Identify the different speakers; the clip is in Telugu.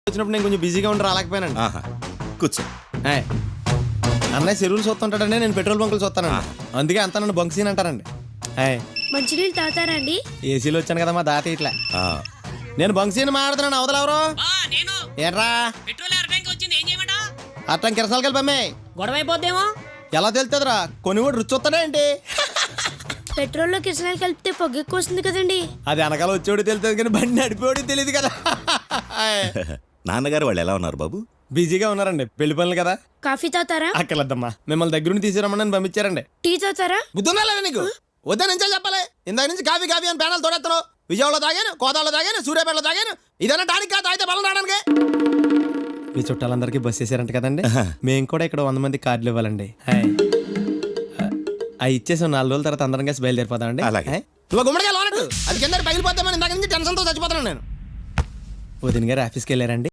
Speaker 1: వచ్చినప్పుడు నేను కొంచెం బిజీగా ఉండి రాలేకపోయానండి.
Speaker 2: ఆహా, కూర్చో.
Speaker 1: ఏయ్, అన్నయ్య చెరువులు చూస్తుంటాడండి, నేను పెట్రోల్ బంకులు చూస్తానండి. అందుకే అంతా నన్ను బంక్ సీన్ అంటారండి. ఏయ్,
Speaker 3: మంచినీళ్ళు తాగుతారా అండి?
Speaker 1: ఏసీలో వచ్చాను కదా మా దాత ఇట్లా.
Speaker 2: ఆ,
Speaker 1: నేను బంక్ సీన్ మాట్లాడుతున్నాను, అవతలెవరు
Speaker 4: నేను
Speaker 1: ఏట్రా
Speaker 4: పెట్రోల్ అరటానికి వచ్చింది, ఏం చేయమంటా?
Speaker 1: అట్టం కిరసాలు కలిపమ్మే.
Speaker 4: గొడవ అయిపోద్దేమో.
Speaker 1: ఎలా తెలుతుందిరా, కొన్ని కూడా రుచి వస్తాడా ఏంటి?
Speaker 3: పెట్రోల్లో కిరసనాలు కలిపితే పొగ ఎక్కువ వస్తుంది కదండి.
Speaker 1: అది వెనకాల వచ్చేవాడు తెలుస్తుంది కానీ బండి నడిపేవాడికి తెలియదు కదా.
Speaker 2: నాన్నగారు వాళ్ళు ఎలా ఉన్నారు బాబు?
Speaker 1: బిజీగా ఉన్నారండి, పెళ్లి పనులు కదా.
Speaker 3: కాఫీ తాగుతారా?
Speaker 1: అక్కర్లేద్దమ్మా, మిమ్మల్ని దగ్గరుండి తీసుకురమ్మని నన్ను పంపించారండి.
Speaker 3: టీ తాగుతారా?
Speaker 1: బుద్ధుందా లేదా నీకు? వద్దా నుంచే చెప్పాలి. ఇందాక నుంచి కాఫీ కాఫీ అని ప్యానల్ తోడెత్తాను. విజయవాడలో తాగాను, కోదాడలో తాగాను, సూర్యాపేటలో తాగాను. ఇదన్నా టానిక్ కాదు, తాగితే బలం రావడానికి. మీ చుట్టాలందరికీ బస్ చేశారంట కదండి, మేము కూడా ఇక్కడ 100 మంది కార్డులు ఇవ్వాలండి. అవి ఇచ్చేసాం, 4 రోజుల తర్వాత అందరం కలిసి బయలుదేరిపోతామండి.
Speaker 2: అలాగే.
Speaker 1: నువ్వు గుమ్మడిగా లోనట్టు అది కింద పగిలిపోతామని ఇందాక నుంచి టెన్షన్తో చచ్చిపోతున్నాను నేను. వదిన గారు ఆఫీస్కి వెళ్ళారండి.